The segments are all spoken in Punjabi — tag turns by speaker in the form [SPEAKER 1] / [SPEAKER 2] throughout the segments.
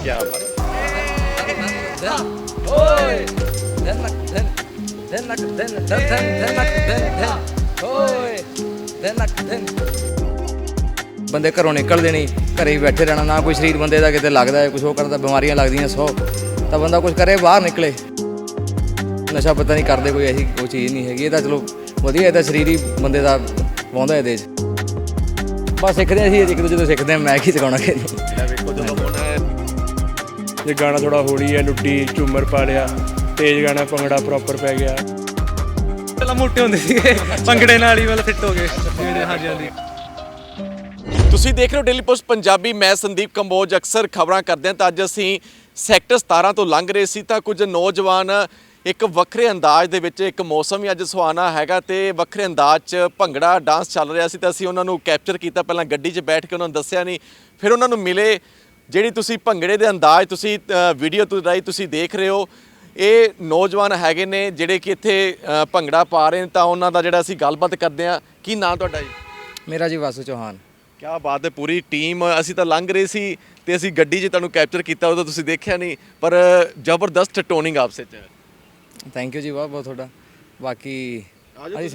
[SPEAKER 1] क्या बात
[SPEAKER 2] ਓਏ ਧਨ ਧਨ ਧਨ ਧਨ ਧਨ ਓਏ ਧਨ ਧਨ ਬੰਦੇ ਘਰੋਂ ਨਿਕਲਦੇ ਨਹੀਂ, ਘਰੇ ਹੀ ਬੈਠੇ ਰਹਿਣਾ, ਨਾ ਕੋਈ ਸਰੀਰ ਬੰਦੇ ਦਾ ਕਿਤੇ ਲੱਗਦਾ ਹੈ, ਕੁਛ ਉਹ ਕਰਦਾ, ਬਿਮਾਰੀਆਂ ਲੱਗਦੀਆਂ 100, ਤਾਂ ਬੰਦਾ ਕੁਛ ਕਰੇ ਬਾਹਰ ਨਿਕਲੇ। ਨਸ਼ਾ ਪਤਾ ਨਹੀਂ ਕਰਦੇ, ਕੋਈ ਐਸੀ ਉਹ ਚੀਜ਼ ਨਹੀਂ ਹੈਗੀ। ਇਹ ਤਾਂ ਚਲੋ ਵਧੀਆ, ਇਹ ਤਾਂ ਸਰੀਰ ਹੀ ਬੰਦੇ ਦਾ ਵਾਹੁੰਦਾ ਇਹਦੇ 'ਚ। ਬਸ ਸਿੱਖਦੇ ਅਸੀਂ ਇੱਕ ਦੂਜੇ ਤੋਂ ਸਿੱਖਦੇ ਹਾਂ, ਮੈਂ ਕੀ ਸਿਖਾਉਣਾ ਕਿਸੇ ਨੂੰ।
[SPEAKER 1] ਵੇਖੋ ਜਦੋਂ ਹੁਣ
[SPEAKER 3] ਜੇ ਗਾਣਾ ਥੋੜਾ ਹੌਲੀ ਹੈ, ਲੁੱਡੀ ਝੂਮਰ ਪਾ ਲਿਆ, ਤੇਜ਼ ਗਾਣਾ ਭੰਗੜਾ ਪ੍ਰੋਪਰ ਪੈ ਗਿਆ।
[SPEAKER 4] ਪਹਿਲਾਂ ਮੋਟੇ ਹੁੰਦੇ ਸੀਗੇ, ਭੰਗੜੇ ਨਾਲ ਹੀ ਫਿੱਟ ਹੋ ਗਏ ਜਿਹੜੇ। ਹਾਂਜੀ ਹਾਂਜੀ।
[SPEAKER 1] ਤੁਸੀਂ ਦੇਖ ਰਹੇ ਹੋ ਡੇਲੀ ਪੋਸਟ ਪੰਜਾਬੀ, ਮੈਂ ਸੰਦੀਪ ਕੰਬੋਜ। ਅਕਸਰ ਖਬਰਾਂ ਕਰਦੇ ਹਾਂ ਤਾਂ ਅੱਜ ਅਸੀਂ ਸੈਕਟਰ 17 ਤੋਂ ਲੰਘ ਰਹੇ ਸੀ ਤਾਂ ਕੁਝ ਨੌਜਵਾਨ ਇੱਕ ਵੱਖਰੇ ਅੰਦਾਜ਼ ਦੇ ਵਿੱਚ, ਇੱਕ ਮੌਸਮ ਹੀ ਅੱਜ ਸੁਹਾਣਾ ਹੈਗਾ ਤੇ ਵੱਖਰੇ ਅੰਦਾਜ਼ 'ਚ ਭੰਗੜਾ ਡਾਂਸ ਚੱਲ ਰਿਹਾ ਸੀ ਤਾਂ ਅਸੀਂ ਉਹਨਾਂ ਨੂੰ ਕੈਪਚਰ ਕੀਤਾ। ਪਹਿਲਾਂ ਗੱਡੀ 'ਚ ਬੈਠ ਕੇ ਉਹਨਾਂ ਨੂੰ ਦੱਸਿਆ ਨਹੀਂ, ਫਿਰ ਉਹਨਾਂ ਨੂੰ ਮਿਲੇ। ਜਿਹੜੀ ਤੁਸੀਂ ਭੰਗੜੇ ਦੇ ਅੰਦਾਜ਼ ਤੁਸੀਂ ਵੀਡੀਓ ਤੋਂ ਰਾਹੀਂ ਤੁਸੀਂ ਦੇਖ ਰਹੇ ਹੋ, ਇਹ ਨੌਜਵਾਨ ਹੈਗੇ ਨੇ ਜਿਹੜੇ ਕਿ ਇੱਥੇ ਭੰਗੜਾ ਪਾ ਰਹੇ ਨੇ, ਤਾਂ ਉਹਨਾਂ ਦਾ ਜਿਹੜਾ ਅਸੀਂ ਗੱਲਬਾਤ ਕਰਦੇ ਹਾਂ। ਕੀ ਨਾਂ ਤੁਹਾਡਾ ਜੀ?
[SPEAKER 2] ਮੇਰਾ ਜੀ ਵਾਸੂ ਚੌਹਾਨ।
[SPEAKER 1] ਕਿਆ ਬਾਤ ਹੈ, ਪੂਰੀ ਟੀਮ। ਅਸੀਂ ਤਾਂ ਲੰਘ ਰਹੇ ਸੀ ਤੇ ਅਸੀਂ ਗੱਡੀ 'ਚ ਤੁਹਾਨੂੰ ਕੈਪਚਰ ਕੀਤਾ, ਉਦੋਂ ਤੁਸੀਂ ਦੇਖਿਆ ਨਹੀਂ, ਪਰ ਜ਼ਬਰਦਸਤ ਟੋਨਿੰਗ ਆਪਸ 'ਚ।
[SPEAKER 2] ਥੈਂਕ ਯੂ ਜੀ ਬਹੁਤ ਬਹੁਤ ਤੁਹਾਡਾ। ਬਾਕੀ ਅਸੀਂ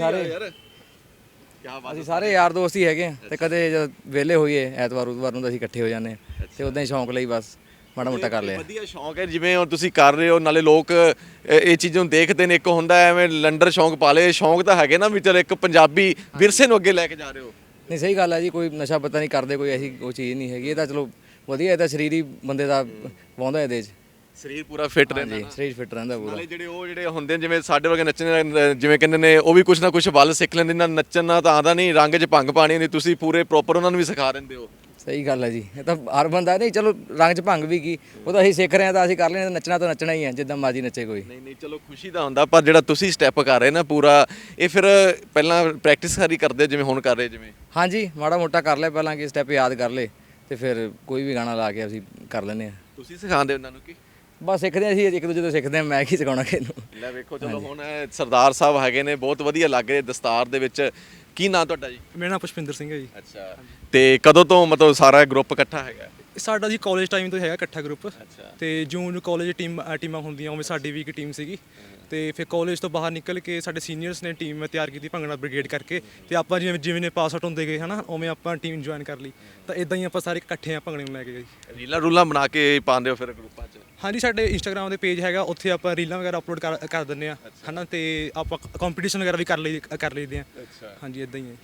[SPEAKER 1] ਸਾਰੇ
[SPEAKER 2] ਸਾਰੇ ਯਾਰ ਦੋਸਤ ਹੀ ਹੈਗੇ ਆ ਤੇ ਕਦੇ ਜਦ ਵਿਹਲੇ ਹੋਈਏ ਐਤਵਾਰ ਉਤਵਾਰ ਨੂੰ ਤਾਂ ਅਸੀਂ ਇਕੱਠੇ ਹੋ ਜਾਂਦੇ ਹਾਂ ਤੇ ਉਦਾਂ ਹੀ ਸ਼ੌਂਕ ਲਈ ਬਸ ਮਾੜਾ ਮੋਟਾ ਕਰ ਲਿਆ।
[SPEAKER 1] ਵਧੀਆ ਸ਼ੌਂਕ ਹੈ, ਜਿਵੇਂ ਹੁਣ ਤੁਸੀਂ ਕਰ ਰਹੇ ਹੋ, ਨਾਲੇ ਲੋਕ ਇਹ ਚੀਜ਼ਾਂ ਨੂੰ ਦੇਖਦੇ ਨੇ। ਇੱਕ ਹੁੰਦਾ ਐਵੇਂ ਲੰਡਰ ਸ਼ੌਂਕ ਪਾ ਲਏ, ਸ਼ੌਂਕ ਤਾਂ ਹੈਗੇ ਨਾ ਵੀ ਚਲੋ ਇੱਕ ਪੰਜਾਬੀ ਵਿਰਸੇ ਨੂੰ ਅੱਗੇ ਲੈ ਕੇ ਜਾ ਰਹੇ ਹੋ।
[SPEAKER 2] ਨਹੀਂ ਸਹੀ ਗੱਲ ਹੈ ਜੀ, ਕੋਈ ਨਸ਼ਾ ਪਤਾ ਨਹੀਂ ਕਰਦੇ, ਕੋਈ ਐਸੀ ਉਹ ਚੀਜ਼ ਨਹੀਂ ਹੈਗੀ। ਇਹ ਤਾਂ ਚਲੋ ਵਧੀਆ, ਇਹ ਤਾਂ ਸਰੀਰ ਹੀ ਬੰਦੇ ਦਾ ਵਾਹੁੰਦਾ ਇਹਦੇ 'ਚ।
[SPEAKER 1] ਸਰੀਰ ਪੂਰਾ ਫਿੱਟ ਰਹਿੰਦਾ
[SPEAKER 2] ਜੀ, ਸਰੀਰ ਫਿੱਟ ਰਹਿੰਦਾ ਪੂਰਾ।
[SPEAKER 1] ਨਾਲੇ ਜਿਹੜੇ ਹੁੰਦੇ ਨੇ, ਜਿਵੇਂ ਸਾਡੇ ਵਰਗੇ ਨੱਚਣ, ਜਿਵੇਂ ਕਹਿੰਦੇ ਨੇ, ਉਹ ਵੀ ਕੁਛ ਨਾ ਕੁਛ ਵੱਲ ਸਿੱਖ ਲੈਂਦੇ ਨਾ। ਨੱਚਣਾ ਤਾਂ ਆਉਂਦਾ ਨਹੀਂ, ਰੰਗ 'ਚ ਭੰਗ ਪਾਣੀ ਹੁੰਦੀ, ਤੁਸੀਂ ਪੂਰੇ ਪ੍ਰੋਪਰ ਉਹਨਾਂ ਨੂੰ ਵੀ ਸਿਖਾ ਦਿੰਦੇ ਹੋ।
[SPEAKER 2] ਸਹੀ ਗੱਲ ਹੈ ਜੀ, ਇਹ ਤਾਂ ਹਰ ਬੰਦਾ ਨਹੀਂ, ਚਲੋ ਰੰਗ 'ਚ ਭੰਗ ਵੀ ਕੀ, ਉਹ ਤਾਂ ਅਸੀਂ ਸਿੱਖ ਰਹੇ ਹਾਂ ਤਾਂ ਅਸੀਂ ਕਰ ਲੈਣੇ, ਨੱਚਣਾ ਤਾਂ ਨੱਚਣਾ ਹੀ ਹੈ, ਜਿੱਦਾਂ ਮਰਜ਼ੀ ਨੱਚੇ ਕੋਈ।
[SPEAKER 1] ਨਹੀਂ ਚਲੋ ਖੁਸ਼ੀ ਦਾ ਹੁੰਦਾ, ਪਰ ਜਿਹੜਾ ਤੁਸੀਂ ਸਟੈਪ ਕਰ ਰਹੇ ਨਾ ਪੂਰਾ, ਇਹ ਫਿਰ ਪਹਿਲਾਂ ਪ੍ਰੈਕਟਿਸ ਸਾਰੀ ਕਰਦੇ ਜਿਵੇਂ ਹੁਣ ਕਰ ਰਹੇ ਜਿਵੇਂ?
[SPEAKER 2] ਹਾਂਜੀ, ਮਾੜਾ ਮੋਟਾ ਕਰ ਲਿਆ ਪਹਿਲਾਂ, ਕਿ ਸਟੈਪ ਯਾਦ ਕਰ ਲਏ ਤੇ ਫਿਰ ਕੋਈ ਵੀ ਗਾਣਾ ਲਾ ਕੇ ਅਸੀਂ ਕਰ ਲੈਂਦੇ ਹਾਂ।
[SPEAKER 1] ਤੁਸੀਂ ਸਿਖਾਉਂਦੇ ਉਹਨਾਂ ਨੂੰ? ਕੀ
[SPEAKER 2] ਬਸ ਸਿੱਖਦੇ ਹਾਂ ਅਸੀਂ ਇੱਕ ਦੂਜੇ ਤੋਂ ਸਿੱਖਦੇ ਹਾਂ, ਮੈਂ ਕੀ ਸਿਖਾਉਣਾ ਕਿਸੇ ਨੂੰ।
[SPEAKER 1] ਲੈ ਵੇਖੋ, ਚਲੋ ਹੁਣ ਸਰਦਾਰ ਸਾਹਿਬ ਹੈਗੇ ਨੇ, ਬਹੁਤ ਵਧੀਆ ਲੱਗ ਰਹੇ ਦਸਤਾਰ ਦੇ ਵਿੱਚ। ਕੀ ਨਾਂ ਤੁਹਾਡਾ ਜੀ?
[SPEAKER 4] ਮੇਰਾ ਨਾਮ ਪੁਸ਼ਪਿੰਦਰ ਸਿੰਘ ਹੈ ਜੀ।
[SPEAKER 1] ਅੱਛਾ, ਤੇ ਕਦੋਂ ਤੋਂ ਮਤਲਬ ਸਾਰਾ ਗਰੁੱਪ ਇਕੱਠਾ ਹੈਗਾ?
[SPEAKER 4] ਸਾਡਾ ਜੀ ਕਾਲਜ ਟਾਈਮ ਤੋਂ ਹੈਗਾ ਇਕੱਠਾ ਗਰੁੱਪ।
[SPEAKER 1] ਅੱਛਾ।
[SPEAKER 4] ਤੇ ਜੂਨ ਕਾਲਜ ਟੀਮਾਂ ਹੁੰਦੀਆਂ, ਉਵੇਂ ਸਾਡੀ ਵੀ ਇੱਕ ਟੀਮ ਸੀਗੀ। ਤੇ ਫਿਰ ਕਾਲਜ ਤੋਂ ਬਾਹਰ ਨਿਕਲ ਕੇ ਸਾਡੇ ਸੀਨੀਅਰਸ ਨੇ ਟੀਮ ਤਿਆਰ ਕੀਤੀ ਭੰਗੜਾ ਬ੍ਰਿਗੇਡ ਕਰਕੇ, ਤੇ ਆਪਾਂ ਜਿਵੇਂ ਨੇ ਪਾਸ ਆਊਟ ਹੁੰਦੇ ਗਏ ਹਨਾ, ਉਵੇਂ ਆਪਾਂ ਟੀਮ ਜੁਆਇਨ ਕਰ ਲਈ। ਤਾਂ ਇਦਾਂ ਹੀ ਆਪਾਂ ਸਾਰੇ ਇਕੱਠੇ ਆ ਭੰਗੜੇ ਨੂੰ ਲੈ ਕੇ ਗਏ।
[SPEAKER 1] ਰੀਲਾਂ ਰੂਲਾਂ ਬਣਾ ਕੇ ਪਾਉਂਦੇ ਹੋ ਫਿਰ ਗਰੁੱਪਾਂ 'ਚ?
[SPEAKER 4] ਹਾਂਜੀ, ਸਾਡੇ ਇੰਸਟਾਗ੍ਰਾਮ ਦੇ ਪੇਜ ਹੈਗਾ, ਉੱਥੇ ਆਪਾਂ ਰੀਲਾਂ ਵਗੈਰਾ ਅਪਲੋਡ ਕਰ ਦਿੰਦੇ ਆ ਹਨਾ, ਤੇ ਆਪਾਂ ਕੰਪੀਟੀਸ਼ਨ ਵਗੈਰਾ ਵੀ ਕਰ ਲਈਦੇ ਆ।
[SPEAKER 1] ਅੱਛਾ।
[SPEAKER 4] ਹਾਂਜੀ, ਇਦਾਂ ਹੀ ਹੈ।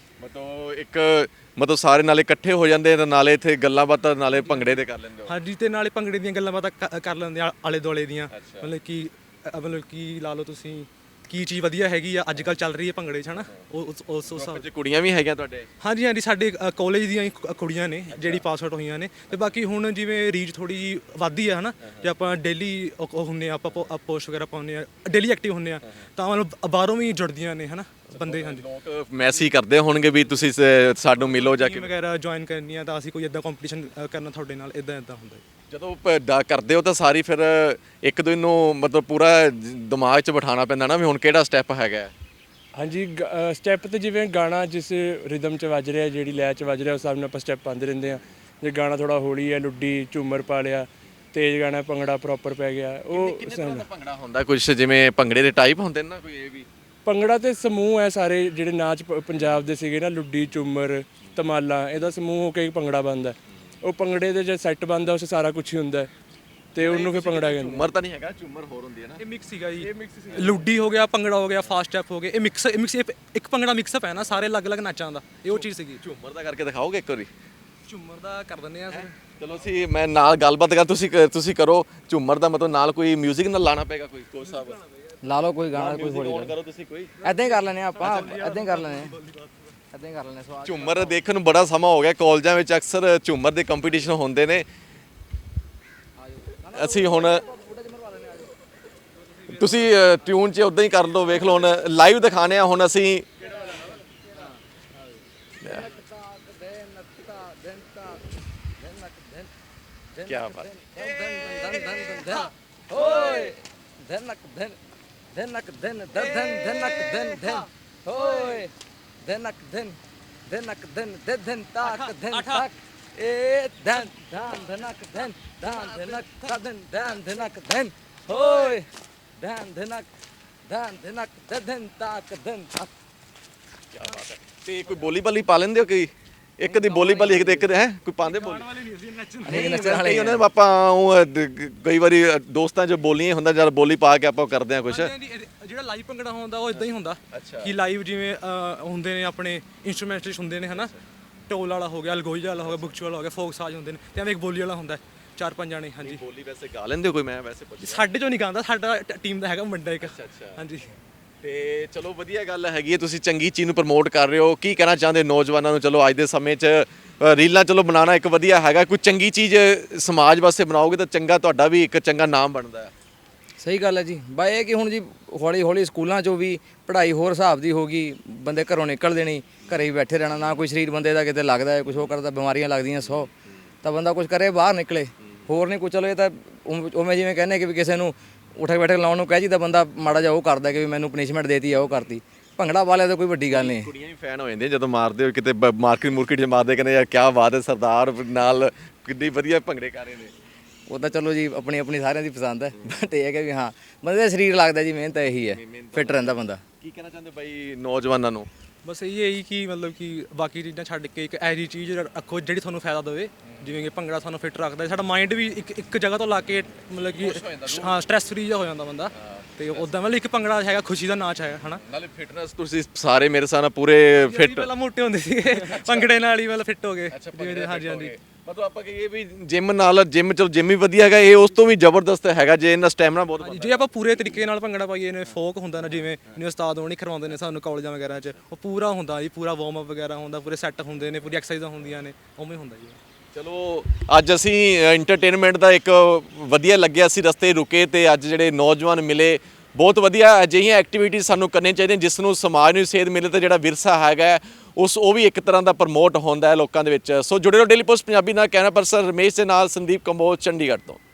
[SPEAKER 1] ਮਤਲਬ ਸਾਰੇ ਨਾਲੇ ਇਕੱਠੇ ਹੋ ਜਾਂਦੇ ਤੇ ਨਾਲੇ ਇੱਥੇ ਗੱਲਾਂ ਬਾਤਾਂ ਨਾਲੇ ਭੰਗੜੇ ਦੇ ਕਰ ਲੈਂਦੇ ਹੋ?
[SPEAKER 4] ਹਾਂਜੀ, ਤੇ ਨਾਲੇ ਭੰਗੜੇ ਦੀਆਂ ਗੱਲਾਂ ਬਾਤਾਂ ਕਰ ਲੈਂਦੇ ਆ, ਆਲੇ ਦੁਆਲੇ ਦੀਆਂ। ਮਤਲਬ ਕਿ ਲਾ ਲਓ ਤੁਸੀਂ, ਕੀ ਚੀਜ਼ ਵਧੀਆ ਹੈਗੀ ਆ ਅੱਜ ਕੱਲ੍ਹ ਚੱਲ ਰਹੀ ਹੈ ਭੰਗੜੇ 'ਚ ਹਨਾ, ਉਸ ਹਿਸਾਬ 'ਚ।
[SPEAKER 1] ਕੁੜੀਆਂ ਵੀ ਹੈਗੀਆਂ ਤੁਹਾਡੇ?
[SPEAKER 4] ਹਾਂਜੀ, ਸਾਡੇ ਕਾਲਜ ਦੀਆਂ ਹੀ ਕੁੜੀਆਂ ਨੇ ਜਿਹੜੀ ਪਾਸ ਆਊਟ ਹੋਈਆਂ ਨੇ। ਤੇ ਬਾਕੀ ਹੁਣ ਜਿਵੇਂ ਰੀਚ ਥੋੜੀ ਜਿਹੀ ਵੱਧਦੀ ਆ ਹਨਾ, ਜੇ ਆਪਾਂ ਡੇਲੀ ਹੁੰਦੇ ਆ, ਆਪਾਂ ਪੋਸਟ ਵਗੈਰਾ ਪਾਉਂਦੇ ਆ, ਡੇਲੀ ਐਕਟਿਵ ਹੁੰਦੇ ਆ, ਤਾਂ ਮਤਲਬ ਬਾਹਰੋਂ ਵੀ ਜੁੜਦੀਆਂ ਨੇ ਹਨਾ ਬੰਦੇ। ਹਾਂਜੀ,
[SPEAKER 1] ਲੋਕ ਮੈਸੇਜ ਕਰਦੇ ਹੋਣਗੇ ਵੀ ਤੁਸੀਂ ਸਾਨੂੰ ਮਿਲੋ ਜਾ ਕੇ
[SPEAKER 4] ਵਗੈਰਾ ਜੁਆਇਨ ਕਰਨੀ ਆ, ਤਾਂ ਅਸੀਂ ਕੋਈ ਇਦਾਂ ਕੰਪੀਟੀਸ਼ਨ ਕਰਨਾ ਤੁਹਾਡੇ ਨਾਲ, ਇਦਾਂ ਹੁੰਦਾ।
[SPEAKER 1] ਜਦੋਂ ਕਰਦੇ ਹੋ ਤਾਂ ਸਾਰੀ ਫਿਰ ਇੱਕ ਦਿਨ ਨੂੰ ਮਤਲਬ ਪੂਰਾ ਦਿਮਾਗ 'ਚ ਬਿਠਾਉਣਾ ਪੈਂਦਾ ਨਾ ਵੀ ਹੁਣ ਕਿਹੜਾ ਸਟੈਪ ਹੈਗਾ?
[SPEAKER 3] ਹਾਂਜੀ, ਸਟੈਪ ਤੇ ਜਿਵੇਂ ਗਾਣਾ ਜਿਸ ਰਿਦਮ 'ਚ ਵੱਜ ਰਿਹਾ, ਜਿਹੜੀ ਲੈਅ 'ਚ ਵੱਜ ਰਿਹਾ, ਉਸ ਹਿਸਾਬ ਨਾਲ ਆਪਾਂ ਸਟੈਪ ਪਾਉਂਦੇ ਰਹਿੰਦੇ ਹਾਂ। ਜੇ ਗਾਣਾ ਥੋੜਾ ਹੌਲੀ ਹੈ, ਲੁੱਡੀ ਝੂਮਰ ਪਾ ਲਿਆ, ਤੇਜ਼ ਗਾਣਾ ਭੰਗੜਾ ਪ੍ਰੋਪਰ ਪੈ ਗਿਆ। ਉਹ
[SPEAKER 1] ਭੰਗੜਾ ਹੁੰਦਾ ਕੁਝ ਜਿਵੇਂ ਭੰਗੜੇ ਦੇ ਟਾਈਪ ਹੁੰਦੇ ਨੇ ਨਾ ਕੋਈ? ਇਹ ਵੀ
[SPEAKER 3] ਭੰਗੜਾ ਤੇ ਸਮੂਹ ਹੈ ਸਾਰੇ ਜਿਹੜੇ ਨਾਚ ਪੰਜਾਬ ਦੇ ਸੀਗੇ ਨਾ, ਲੁੱਡੀ ਝੂਮਰ ਧਮਾਲਾਂ, ਇਹਦਾ ਸਮੂਹ ਹੋ ਕੇ ਭੰਗੜਾ ਬਣਦਾ। ਉਹ ਭੰਗੜੇ ਦੇ ਜੇ ਸੈੱਟ ਬਣਦਾ, ਉਸ ਸਾਰਾ ਕੁਝ ਹੀ ਹੁੰਦਾ ਤੇ ਉਹਨੂੰ ਫਿਰ ਭੰਗੜਾ ਕਹਿੰਦੇ।
[SPEAKER 1] ਝੂਮਰ ਤਾਂ ਨਹੀਂ ਹੈਗਾ, ਝੂਮਰ ਹੋਰ ਹੁੰਦੀ ਹੈ ਨਾ?
[SPEAKER 4] ਇਹ ਮਿਕਸ ਸੀਗਾ ਜੀ, ਲੁੱਡੀ ਹੋ ਗਿਆ, ਭੰਗੜਾ ਹੋ ਗਿਆ, ਫਾਸਟ ਸਟੈਪ ਹੋ ਗਏ, ਇਹ ਮਿਕਸ ਇੱਕ ਭੰਗੜਾ ਮਿਕਸਅਪ ਹੈ ਨਾ ਸਾਰੇ ਅਲੱਗ-ਅਲੱਗ ਨਾਚਾਂ ਦਾ, ਇਹ ਉਹ ਚੀਜ਼ ਸੀਗੀ।
[SPEAKER 1] ਝੂਮਰ ਦਾ ਕਰਕੇ ਦਿਖਾਓਗੇ ਇੱਕ ਵਾਰੀ?
[SPEAKER 4] ਝੂਮਰ ਦਾ ਕਰ ਦਿੰਦੇ ਆ ਸਰ।
[SPEAKER 1] ਚਲੋ ਅਸੀਂ ਮੈਂ ਨਾਲ ਗੱਲਬਾਤ ਕਰ, ਤੁਸੀਂ ਕਰੋ ਝੂਮਰ ਦਾ। ਮਤਲਬ ਨਾਲ ਕੋਈ 뮤직 ਨਾਲ ਲਾਣਾ ਪਏਗਾ ਕੋਈ ਕੋਚ ਸਾਹਿਬ?
[SPEAKER 2] ਲਾ ਲਓ ਕੋਈ ਗਾਣਾ, ਕੋਈ ਥੋੜੀ
[SPEAKER 1] ਕਰੋ ਤੁਸੀਂ ਕੋਈ।
[SPEAKER 2] ਐਦਾਂ ਹੀ ਕਰ ਲੈਣੇ ਆਪਾਂ, ਐਦਾਂ ਹੀ ਕਰ ਲੈਣੇ ਸਵਾਲ।
[SPEAKER 1] ਝੂਮਰ ਦੇਖਣ ਨੂੰ ਬੜਾ ਸਮਾਂ ਹੋ ਗਿਆ, ਕਾਲਜਾਂ ਵਿੱਚ ਅਕਸਰ ਝੂਮਰ ਦੇ ਕੰਪੀਟੀਸ਼ਨ ਹੁੰਦੇ ਨੇ। ਅਸੀਂ ਹੁਣ ਤੁਸੀਂ ਟਿਊਨ 'ਚ ਉਦਾਂ ਹੀ ਕਰ ਲਓ, ਵੇਖ ਲਓ। ਹੁਣ ਲਾਈਵ ਦਿਖਾਣੇ ਆ ਹੁਣ ਅਸੀਂ। ਕਿਆ ਬਾਤ।
[SPEAKER 2] ਓਏ ਧਨਕ ਧਨ ਧਨਕ ਧਨ ਧਨਕ ਧਨ ਓਏ ਧਨਕ ਧਨ ਧਨਕ ਧਨ ਧਨ ਤਾਕ ਧਨ ਤਾਕ ਏ ਧਨ ਧਨ ਧਨਕ ਧਨ ਧਨ ਧਨਕ ਧਨ ਧਨ ਧਨਕ ਧਨ ਓਏ ਧਨ ਧਨਕ ਧਨ ਤੱਕ ਧਨ ਤੱਕ।
[SPEAKER 1] ਤੇ ਕੋਈ ਬੋਲੀ ਬਾਲੀ ਪਾ ਲੈਂਦੇ ਹੋ ਕੋਈ ਇੱਕ ਦੀ ਬੋਲੀ ਬਾਲੀ ਇੱਕ ਦੇ ਹੈ ਕੋਈ ਪਾਉਂਦੇ ਬੋਲੀ
[SPEAKER 2] ਨਹੀਂ ਨੱਚਣ ਵਾਲੇ
[SPEAKER 1] ਕਈ ਉਹਨਾਂ ਆਪਾਂ ਕਈ ਵਾਰੀ ਦੋਸਤਾਂ 'ਚ ਬੋਲੀਆਂ ਹੁੰਦਾ ਜਦ ਬੋਲੀ ਪਾ ਕੇ ਆਪਾਂ ਕਰਦੇ ਆ ਕੁਛ
[SPEAKER 4] ਜਿਹੜਾ ਲਾਈਵ ਭੰਗੜਾ ਹੁੰਦਾ ਉਹ ਇਦਾਂ ਹੀ ਹੁੰਦਾ ਕਿ ਲਾਈਵ ਜਿਵੇਂ ਹੁੰਦੇ ਨੇ ਆਪਣੇ ਇਨਸਟਰੂਮੈਂਟਲਿਸਟ ਹੁੰਦੇ ਨੇ ਹਨਾ, ਢੋਲ ਵਾਲਾ ਹੋ ਗਿਆ, ਅਲਗੋਈ ਵਾਲਾ ਹੋ ਗਿਆ, ਬੁਕਚੂ ਵਾਲਾ ਹੋ ਗਿਆ, ਫੋਕ ਸਾਜ਼ ਹੁੰਦੇ ਨੇ ਤੇ ਐਵੇਂ ਇੱਕ ਬੋਲੀ ਵਾਲਾ ਹੁੰਦਾ 4-5 ਜਾਣੇ। ਹਾਂਜੀ
[SPEAKER 1] ਬੋਲੀ ਵੈਸੇ ਗਾ ਲੈਂਦੇ ਹੋ ਕੋਈ? ਮੈਂ ਵੈਸੇ ਪੁੱਛ
[SPEAKER 4] ਸਾਡੇ ਚੋਂ ਨਹੀਂ ਗਾਉਂਦਾ, ਸਾਡਾ ਟੀਮ ਦਾ ਹੈਗਾ ਮੁੰਡਾ ਇੱਕ। ਹਾਂਜੀ
[SPEAKER 1] ਤੇ ਚਲੋ ਵਧੀਆ ਗੱਲ ਹੈਗੀ ਹੈ, ਤੁਸੀਂ ਚੰਗੀ ਚੀਜ਼ ਨੂੰ ਪ੍ਰਮੋਟ ਕਰ ਰਹੇ ਹੋ। ਕੀ ਕਹਿਣਾ ਚਾਹੁੰਦੇ ਨੌਜਵਾਨਾਂ ਨੂੰ? ਚਲੋ ਅੱਜ ਦੇ ਸਮੇਂ 'ਚ ਰੀਲਾਂ ਚਲੋ ਬਣਾਉਣਾ ਇੱਕ ਵਧੀਆ ਹੈਗਾ, ਕੋਈ ਚੰਗੀ ਚੀਜ਼ ਸਮਾਜ ਵਾਸਤੇ ਬਣਾਓਗੇ ਤਾਂ ਚੰਗਾ, ਤੁਹਾਡਾ ਵੀ ਇੱਕ ਚੰਗਾ ਨਾਮ ਬਣਦਾ ਹੈ।
[SPEAKER 2] ਸਹੀ ਗੱਲ ਹੈ ਜੀ। ਬਾ ਇਹ ਕਿ ਹੁਣ ਜੀ ਹੌਲੀ ਹੌਲੀ ਸਕੂਲਾਂ 'ਚੋਂ ਵੀ ਪੜ੍ਹਾਈ ਹੋਰ ਹਿਸਾਬ ਦੀ ਹੋ ਗਈ, ਬੰਦੇ ਘਰੋਂ ਨਿਕਲਦੇ ਨਹੀਂ, ਘਰੇ ਹੀ ਬੈਠੇ ਰਹਿਣਾ, ਨਾ ਕੋਈ ਸਰੀਰ ਬੰਦੇ ਦਾ ਕਿਤੇ ਲੱਗਦਾ ਹੈ, ਕੁਝ ਉਹ ਕਰਦਾ, ਬਿਮਾਰੀਆਂ ਲੱਗਦੀਆਂ 100, ਤਾਂ ਬੰਦਾ ਕੁਝ ਕਰੇ ਬਾਹਰ ਨਿਕਲੇ, ਹੋਰ ਨਹੀਂ ਕੁਝ। ਚਲੋ ਇਹ ਤਾਂ ਉਵੇਂ ਜਿਵੇਂ ਕਹਿੰਦੇ ਕਿ ਵੀ ਕਿਸੇ ਨੂੰ ਉਠਕ ਬੈਠਕ ਲਾਉਣ ਨੂੰ ਕਹਿ ਜੀ ਤਾਂ ਬੰਦਾ ਮਾੜਾ ਜਿਹਾ ਉਹ ਕਰਦਾ ਕਿ ਵੀ ਮੈਨੂੰ ਪਨਿਸ਼ਮੈਂਟ ਦੇਤੀ ਆ, ਉਹ ਕਰਤੀ। ਭੰਗੜਾ ਵਾਲਿਆਂ ਤਾਂ ਕੋਈ ਵੱਡੀ ਗੱਲ ਨਹੀਂ।
[SPEAKER 1] ਕੁੜੀਆਂ ਵੀ ਫੈਨ ਹੋ ਜਾਂਦੀਆਂ ਜਦੋਂ ਮਾਰਦੇ ਹੋ ਕਿਤੇ ਮਾਰਕੀਟ 'ਚ ਮਾਰਦੇ, ਕਹਿੰਦੇ ਯਾਰ ਕਿਆ ਬਾਤ ਹੈ, ਸਰਦਾਰ ਨਾਲ ਕਿੰਨੀ ਵਧੀਆ ਭੰਗੜੇ ਕਰ ਰਹੇ ਨੇ।
[SPEAKER 2] ਉਹ ਤਾਂ ਚਲੋ ਜੀ ਆਪਣੀ ਆਪਣੀ ਸਾਰਿਆਂ ਦੀ ਪਸੰਦ ਹੈ, ਬਟ ਇਹ ਹੈ ਕਿ ਵੀ ਹਾਂ ਬੰਦੇ ਦਾ ਸਰੀਰ ਲੱਗਦਾ ਜੀ, ਮਿਹਨਤ ਇਹੀ ਹੈ, ਫਿੱਟ ਰਹਿੰਦਾ ਬੰਦਾ।
[SPEAKER 1] ਕੀ ਕਹਿਣਾ ਚਾਹੁੰਦੇ ਬਾਈ ਨੌਜਵਾਨਾਂ ਨੂੰ?
[SPEAKER 4] ਬਸ ਇਹ ਹੀ ਕਿ ਮਤਲਬ ਕਿ ਬਾਕੀ ਚੀਜ਼ਾਂ ਛੱਡ ਕੇ ਇੱਕ ਐਜੀ ਚੀਜ਼ ਰੱਖੋ ਜਿਹੜੀ ਤੁਹਾਨੂੰ ਫਾਇਦਾ ਦੇਵੇ। ਜਿਵੇਂ ਕਿ ਭੰਗੜਾ ਤੁਹਾਨੂੰ ਫਿੱਟ ਰੱਖਦਾ, ਸਾਡਾ ਮਾਈਂਡ ਵੀ ਇੱਕ ਜਗ੍ਹਾ ਤੋਂ ਲਾ ਕੇ ਮਤਲਬ ਕਿ ਹਾਂ ਸਟ੍ਰੈਸ ਫਰੀ ਜਿਹਾ ਹੋ ਜਾਂਦਾ ਬੰਦਾ। ਤੇ ਉਦਾਂ ਮਤਲਬ ਇੱਕ ਭੰਗੜਾ ਹੈਗਾ, ਖੁਸ਼ੀ ਦਾ ਨਾਚ ਹੈਗਾ ਹਨਾ।
[SPEAKER 1] ਨਾਲੇ ਫਿਟਨੈਸ ਤੁਸੀਂ ਸਾਰੇ ਮੇਰੇ ਸਾਹ ਨਾਲ ਪੂਰੇ ਫਿੱਟ।
[SPEAKER 4] ਪਹਿਲਾਂ ਮੋਟੇ ਹੁੰਦੇ ਸੀਗੇ, ਭੰਗੜੇ ਨਾਲ ਹੀ ਮਤਲਬ ਫਿੱਟ ਹੋ ਗਏ। ਹਾਂਜੀ ਹਾਂਜੀ
[SPEAKER 1] ਮਤਲਬ ਆਪਾਂ ਕਹੀਏ ਵੀ ਜਿਮ ਨਾਲ ਚਲੋ ਜਿਮ ਵੀ ਵਧੀਆ ਹੈਗਾ, ਇਹ ਉਸ ਤੋਂ ਵੀ ਜ਼ਬਰਦਸਤ ਹੈਗਾ ਜੇ ਇਹਨਾਂ ਸਟੈਮਿਨਾ ਬਹੁਤ ਬਣਦਾ।
[SPEAKER 4] ਜੇ ਆਪਾਂ ਪੂਰੇ ਤਰੀਕੇ ਨਾਲ ਭੰਗੜਾ ਪਾਈਏ ਨੇ, ਫੋਕ ਹੁੰਦਾ ਨਾ ਜਿਵੇਂ ਉਸਤਾਦ ਹੋਣੀ ਕਰਵਾਉਂਦੇ ਨੇ ਸਾਨੂੰ ਕਾਲਜਾਂ ਵਗੈਰਾ 'ਚ, ਉਹ ਪੂਰਾ ਹੁੰਦਾ ਜੀ, ਪੂਰਾ ਵਾਰਮ ਅਪ ਵਗੈਰਾ ਹੁੰਦਾ, ਪੂਰੇ ਸੈੱਟ ਹੁੰਦੇ ਨੇ, ਪੂਰੀ ਐਕਸਰਸਾਈਜ਼ਾਂ ਹੁੰਦੀਆਂ ਨੇ, ਉਵੇਂ ਹੁੰਦਾ ਜੀ।
[SPEAKER 1] ਚਲੋ ਅੱਜ ਅਸੀਂ ਐਂਟਰਟੇਨਮੈਂਟ ਦਾ ਇੱਕ ਵਧੀਆ ਲੱਗਿਆ, ਅਸੀਂ ਰਸਤੇ ਰੁਕੇ ਤੇ ਅੱਜ ਜਿਹੜੇ ਨੌਜਵਾਨ ਮਿਲੇ, ਬਹੁਤ ਵਧੀਆ ਅਜਿਹੀਆਂ ਐਕਟੀਵਿਟੀਜ਼ ਸਾਨੂੰ ਕਰਨੀਆਂ ਚਾਹੀਦੀਆਂ ਜਿਸ ਨੂੰ ਸਮਾਜ ਨੂੰ ਸੇਧ ਮਿਲੇ ਤੇ ਜਿਹੜਾ ਵਿਰਸਾ ਹੈਗਾ ਉਹ ਵੀ ਇੱਕ ਤਰ੍ਹਾਂ ਦਾ ਪ੍ਰਮੋਟ ਹੁੰਦਾ ਹੈ ਲੋਕਾਂ ਦੇ ਵਿੱਚ। ਸੋ ਜੁੜੇ ਰਹੋ ਡੇਲੀ ਪੋਸਟ ਪੰਜਾਬੀ ਨਾਲ। ਕੈਮਰਾ ਪਰਸਨ ਰਮੇਸ਼ ਦੇ ਨਾਲ ਸੰਦੀਪ ਕੰਬੋਜ, ਚੰਡੀਗੜ੍ਹ ਤੋਂ।